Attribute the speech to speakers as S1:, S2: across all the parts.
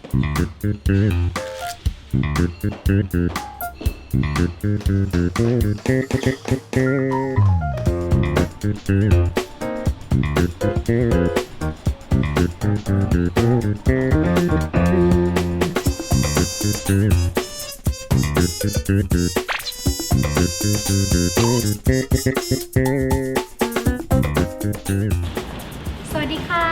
S1: สวัสดีค่ะ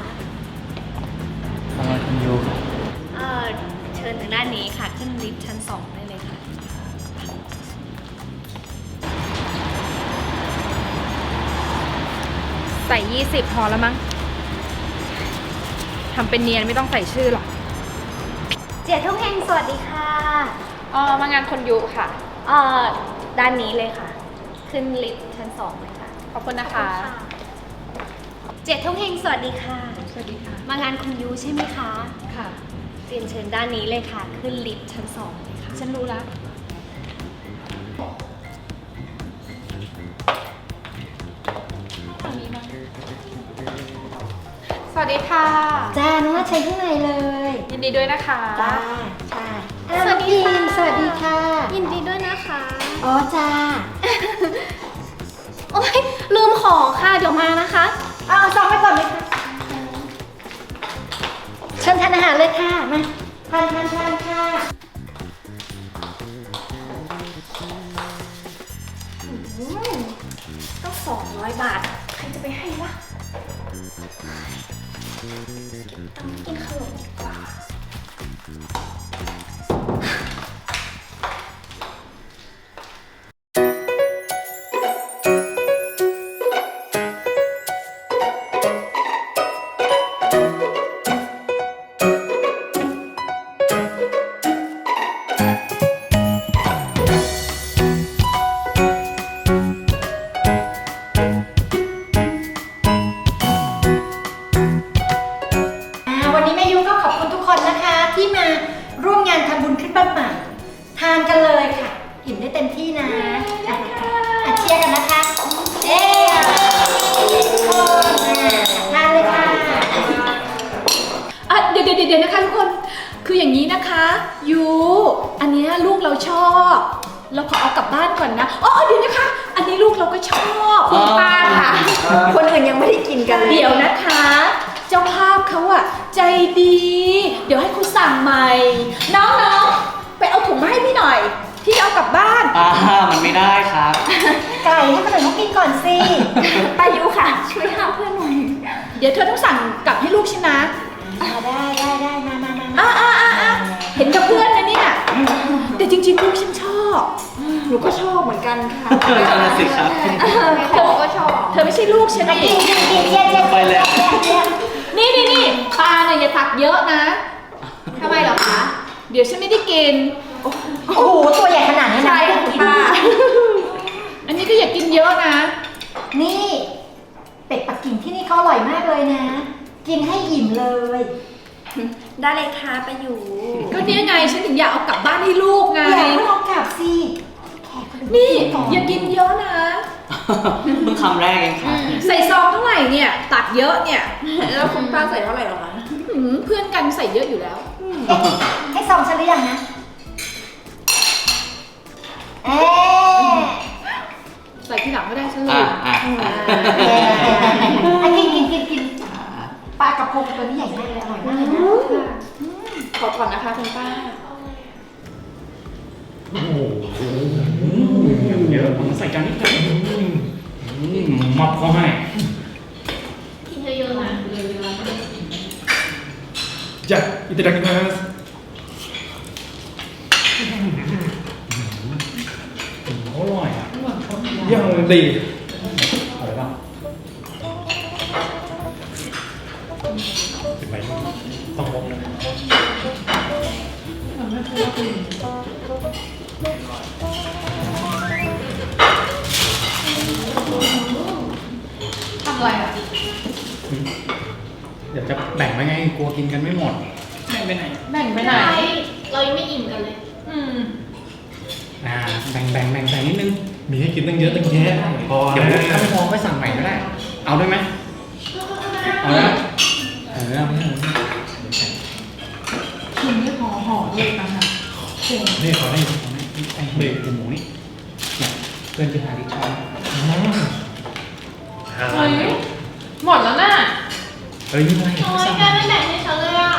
S2: คุณยู
S1: เชิญทางด้านนี้ค่ะ ขึ้นลิฟต์ชั้น 2ได้เลยค่ะ
S3: ใส่20พอแล้วมั้งทำเป็นเนียนไม่ต้องใส่ชื่อหรอก
S1: เจียทุกแห่งสวัสดีค่ะ
S3: มางานคนยุค่ะ
S1: ด้านนี้เลยค่ะ ขึ้นลิฟต์ชั้น 2เลยค่ะ
S3: ขอบคุณนะคะ
S1: เจียทุกแห่งสวัสดีค่ะ
S3: สวัสดีค่ะ
S1: มางานคุณยูใช่ไหมคะ
S3: ค่ะ
S1: เรียนเชิญด้านนี้เลยค่ะ ขึ้นลิฟต์ชั้น 2เลยค่ะ
S3: ฉันรู้แล้วฝั่งนี้มาสวัสดีค่ะ
S4: จ้าน้องว่าใช้ข้างในเลย
S3: ยินดีด้วยนะคะ
S4: จ้าใช่
S1: สวัสดีค่ะ
S4: สวัสดีค่ะ
S1: ยินดีด้วยนะคะ
S4: อ๋อจ้า
S1: โอ๊ยลืมของค่ะ เดี๋ยวมานะคะ
S4: เอาซองไปก่อนเลยค่ะเชิญทานอาหารเลยค่ะ มาทานค่ะ
S1: ต้อง200 บาท ใครจะไปให้วะต้องกินขนมดีกว่า
S4: วันนี้แม่ยุก็ขอบคุณทุกคนนะคะที่มาร่วมงานทำบุญขึ้นบ้านใหม่ ทานกันเลยค่ะ อิ่มได้เต็มที่นะเชียร์กันนะคะเย้ทุกคนทานเลยค่ะ
S3: เดี๋ยวนะคะทุกคน คืออย่างนี้นะคะยูอันเนี้ยลูกเราชอบ เราขอเอากลับบ้านก่อนนะเดี๋ยวนะคะ อันนี้ลูกเราก็ชอบคุณป้าค่ะ
S4: คนอื่นยังไม่ได้กินกันเลย
S3: เดี๋ยวนะคะ เจ้าภาพเขาอะใจดี เดี๋ยวให้คุณสั่งใหม่ น้องๆไปเอาถุงมาให้พี่หน่อย พี่เอากลับบ้าน
S2: มันไม่ได้ครับ
S4: ไก่ให้คนอื่นเขากินก่อนสิ
S1: ป้ายุค่ะ ช่วยหาเพื่อนหน่อย
S3: เดี๋ยวเธอต้องสั่งกลับให้ลูกฉันนะ
S4: ได้มา
S3: เห็นกับเพื่อนนะเนี่ยแต่จริงๆลูกฉันชอบ
S4: หนูก็ชอบเหมือนกันค่ะ
S2: นั่นน่ะสิครับ
S3: เธอก็ชอบ เธอไม่ใช่ลูกฉันนี่
S4: กินเย็น
S2: ไปแล้ว
S3: นี่ปลาเนี่ยอย่าตักเยอะนะ
S1: ทำไมเหรอคะ
S3: เดี๋ยวฉันไม่ได้กิน
S4: โอ้โห ตัวใหญ่ขนาดนี้นะ
S1: ใช่ค่ะป้า
S3: อันนี้ก็อย่ากินเยอะนะ
S4: นี่ เป็ดปักกิ่งที่นี่เขาอร่อยมากเลยนะ กินให้อิ่มเลย
S1: ได้เลยค่ะป้ายุ
S3: ก็เนี่ยไงฉันถึงอยากเอากลับบ้านให้ลูกไง
S4: อย่าให้เรากลับสิแขกคนอื่
S3: นี่
S4: ก่อน
S3: อย่ากินเยอะนะ
S2: เพิ่งคำแรกเองครับ
S3: ใส่ซองเท่าไหร่เนี่ย ตักเยอะเนี่ย
S1: แล้วคุณป้าใส่เท่าไหร่หรอคะ
S3: เพื่อนกันใส่เยอะอยู่แล้ว
S4: ให้ซองฉันหรือยังนะเอ๊ะ
S3: ใส่ทีหลังไม่ได้ฉันลื
S2: อ่ะ
S3: ม
S4: กินปลากระพงตัวนี้ใหญ่มากเลยอร่อยมากเลยนะ
S3: ขอก่อนนะคะคุณป้า
S2: โอ้โหเยอะผมใส่จานนิดเดียวมับเขาให้
S1: กินเยอะๆนะ
S5: じゃあいただきます
S2: อร่อยอ่ะ
S5: ยังดี
S2: อร่อยป่ะ
S5: เป็นไหมต้องลงนะ
S3: ทำอะไรอ่ะ
S5: เดี๋ยวจะแบ่งไว้ไงกลัวกินกันไม่หมด
S2: แม่งไปไหน
S3: แบ่งไปไหน
S1: เรายังไม่อิ่มกันเลย
S5: แบ่งนิดนึง มีให้กินตั้งเยอะตั้งแยะพอเดี๋ยวถ้าไม่พอก็สั่งใหม่ก็ได้ เอาด้วยไหมเอานะเอา
S3: เลยต่างหาก
S5: นี่ขอให้
S2: ไอ้เบรกหมูนี่เนี่ยเพื่อนที่หาที่ชอบ
S3: เฮ้ยหมดแล้วน่ะ
S2: เฮ้ยนี่ไง
S3: โอ้ยแกไม่แบ่งให้ฉันเลยอ่ะ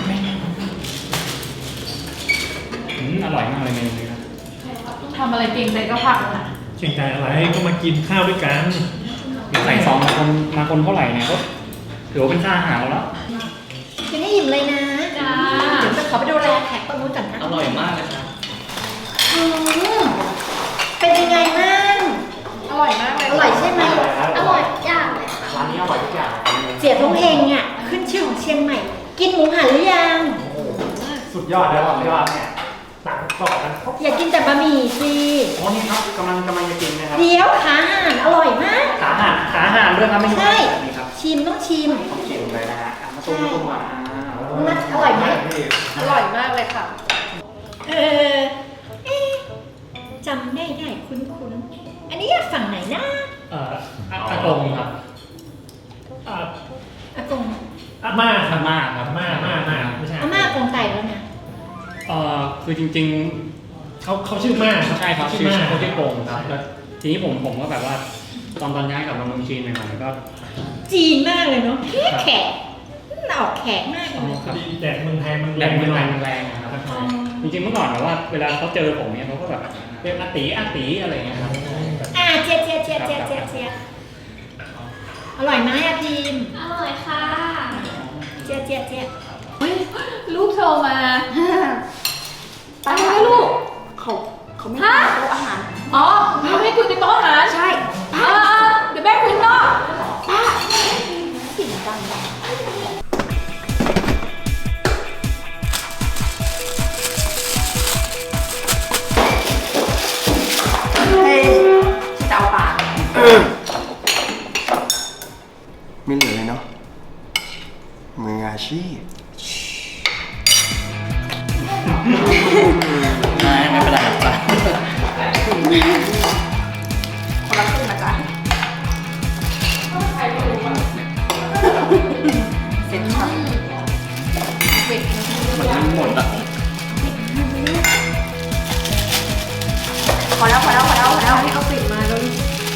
S2: อร่อยมากเลยเมนูนี้นะ
S3: ทำอะไรเก่งใจก็ผักนะ
S5: เก่งใจอะไรก็มากินข้าวด้วยกัน
S2: เดี๋ยวใส่ซองมาคนเท่าไหร่เนี่ยก็ถือว่าเป็นค่าอาหารเราแล้ว
S4: กินให้อิ่มเลยนะ
S3: จ้า
S4: เดี๋ยวจะขอไปดูแลแขกต้นนู้นก่อนนะ
S2: อร่อยมากเลยครับ
S4: อืมเป็นยังไงบ้าง
S3: อร่อยมากเลย
S4: อร่อยใช่ไหม
S1: อร่อยจังเลยค่ะ
S2: ร้านนี้อร่อยทุกอย่าง
S4: เสียทงเฮงอ่ะขึ้นชื่อของเชียงใหม่ กินหมูหันหรือยัง
S5: สุดยอดแล้วยอดเนี่ยต่างกรอบกัน
S4: อย่ากินแต่บะหมี่สิ
S2: อ๋อนี่ครับกำลังจะกินนะครับ
S4: เดี๋ยวขาห่านอร่อยมาก
S2: ขาอาหารด้วยครับไม่
S4: ใช่
S2: นี่ครับ
S4: ชิมต้องชิม
S2: ต้องชิมเลยนะฮะมาตุ้มมา
S4: นะอร่อยไหม
S3: อร่อยมากเลยค่ะ
S4: เอ๊ะจำได้คุ้นอันนี้ฝั่งไหนนะ
S5: อากงครับอ่า
S4: อากง
S5: อาม่าค
S2: อา
S5: รับ
S2: ม่าครับ
S5: อาม่าไม่ใช่
S4: อาม่าอากงไตแล้วนะ
S2: คือจริง
S5: เขาชื่อม่า
S2: ๆใช่ครับ
S5: ชื่
S2: ชื่
S5: อ
S2: อ
S5: ม่า
S2: เขาชื่อโกงครับแล้วทีนี้ผมก็แบบว่าตอนย้ายกลับมาเมืองจีนใหม่ๆก็
S4: จีนมากเลยเนาะแขกออกแขกมากเลย
S2: ครับ
S5: แดดเมืองไทยมัน
S2: แร
S5: แรง ง
S2: มั
S5: ไป
S2: น
S5: ห
S2: แร
S5: น่อย
S2: งมันแรงนะครับจริงๆเมื่อก่อนแบบว่าเวลาเขาเจอผมเนี่ยเขาก็แบบเรียกอาตีอะไรอย่างเงี้ยครับ
S4: เชียร์อร่อยไหมอะพิม
S1: อร่อยค่ะ
S4: เชียร์
S3: เฮ้ยลูกโทรมาอะไรนะลูก
S1: เขาไม่ทานโต๊ะอาหาร
S3: อ๋อไม่ให้คุยในโต๊ะอาหาร
S1: ใช่
S3: เดี๋ยวแม่คุยนอก
S1: เสียงดัง
S3: จะเอาปาก
S6: ไม่เหลือเลยเนาะมืออาชีพ
S2: ไม่เป็นไรครับ
S3: คนละครึ่งนะจ๊ะเสร็จค่ะ
S2: มันหมดอ่ะ
S1: พอแล้วให้เขาปิดมาแล้ว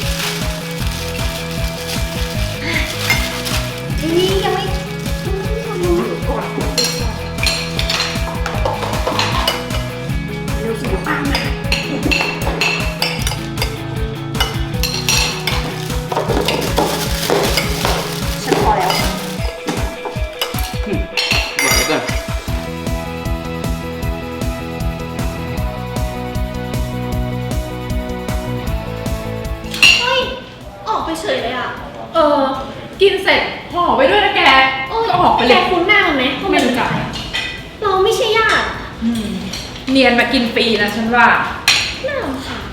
S1: นี่ยังไม่กดเร็วสิเดี๋ยวปังนะฉันพอแล้ว
S6: ไหวก่อน
S1: เฮ้ย ออกไปเฉยเลยอ่ะ
S3: กินเสร็จห่อไปด้วยนะแกก็ออกไปเล
S1: แก
S3: ย
S1: คุ้นหน้ามันไหม
S3: ไม่รู้จัก
S1: เราไม่ใช่ญาติ
S3: เนียนมากินฟรีนะฉันว่า
S1: น่ารำคาญ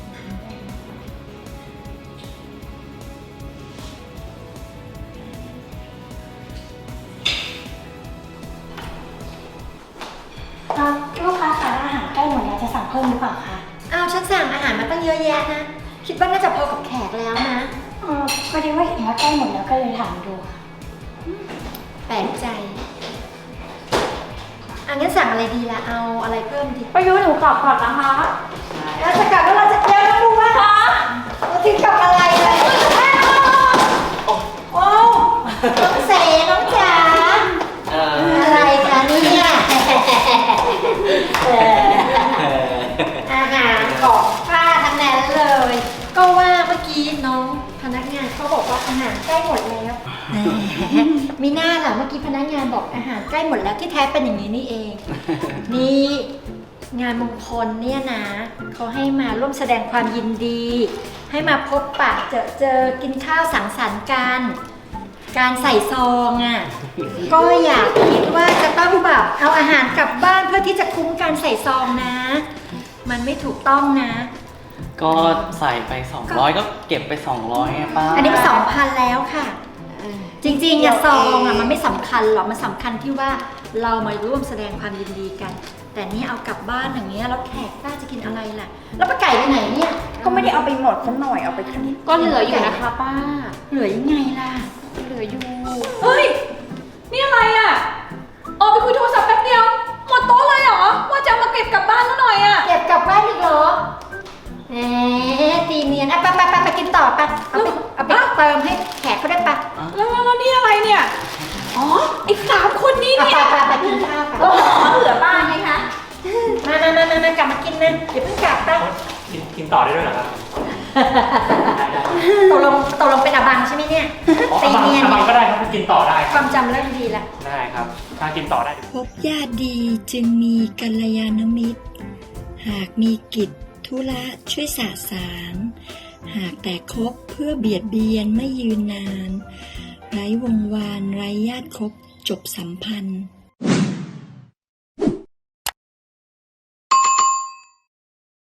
S1: ลูกค้าคะอาหารใกล้หมดแล้วจะสั่งเพิ่มหรือเปล่าคะ
S4: เอาฉันสั่งอาหารมาตั้งเยอะแยะนะ คิดว่าน่าจะพอกับแขกแล้วนะ
S1: พอดีว่าเห็นว่าใกล้หมดแล้วก็เลยถามดูค่ะ
S4: แปลกใจงั้นสั่งอะไรดีล่ะ เอาอะไรเพิ่มดี
S1: ประยุทธ์หนูกลับก่อนนะคะ
S4: เราจะกลับแล้วเราจะเดี๋ยวต้องดูว่าเราถึงกับอะไรเลยโอ้น้องเสน้องจ๋าอะไรคะเนี่ยอาหารของป้าทั้งนั้นเลย ก็ว่าเมื่อกี้น้องพนักงานเขาบอกว่าอาหารใกล้หมดแล้วมีหน้าล่ะเมื่อกี้พนักงานบอกอาหารใกล้หมดแล้วที่แท้เป็นอย่างนี้นี่เอง นี่งานมงคลเนี่ยนะเขาให้มาร่วมแสดงความยินดี ให้มาพบปะเจอกินข้าวสังสรรค์กัน การใส่ซองอ่ะ ก็อยากคิดว่าจะต้องแบบเอาอาหารกลับบ้านเพื่อที่จะคุ้มการใส่ซองนะ มันไม่ถูกต้องนะ
S7: ก็ใส่ไป 200 ก็เก็บไป 200ไงป้า
S4: อันนี้เป็น2,000แล้วค่ะ จริงๆอะซองอะมันไม่สำคัญหรอกมันสำคัญที่ว่าเรามาร่วมแสดงความยินดีกัน แต่นี่เอากลับบ้านอย่างเงี้ยแล้วแขกป้าจะกินอะไรล่ะ แล้วป้าไก่ไปไหนเนี่ย
S1: ก็ไม่ได้เอาไปหมดสักหน่อยเอาไปแค่นี้ก็เหลืออยู่นะคะป้า
S4: เหลือยังไงล่ะ
S1: เหลืออยู่
S3: เฮ้ย นี่อะไรอ่ะ ออกไปคุยโทรศัพท์แป๊บเดียว หมดโต๊ะเลยเหรอ
S4: ต่อไปเอาไปเติมให้แขกเขาได้ปะ
S3: แล้วนี่อะไรเนี่ย อ๋อไอ้3 คนนี้
S4: เอา
S3: เนี่ย
S4: ไปกินข้าวกัน
S1: ก็ขอเผื่อบ้านไหมคะ
S4: มากลับมากินนะอย่าเพิ่งกลับนะ
S2: กินต่อได้ด้วยเหรอครับ
S4: ตกลงเป็นอาบังใช่ไหมเนี่ย
S2: อ๋อ
S4: ตีเนียน
S2: อาบังก็ได้ครับกินต่อได้
S4: ความจำเริ่มดีแล้ว
S2: ได้ครับ ถ้ากินต่อได้
S8: พบญาติดีจึงมีกัลยาณมิตร หากมีกิจธุระช่วยสะสาง หากแต่คบเพื่อเบียดเบียนไม่ยืนนาน ไร้วงวานไร้ญาติคบจบสัมพันธ์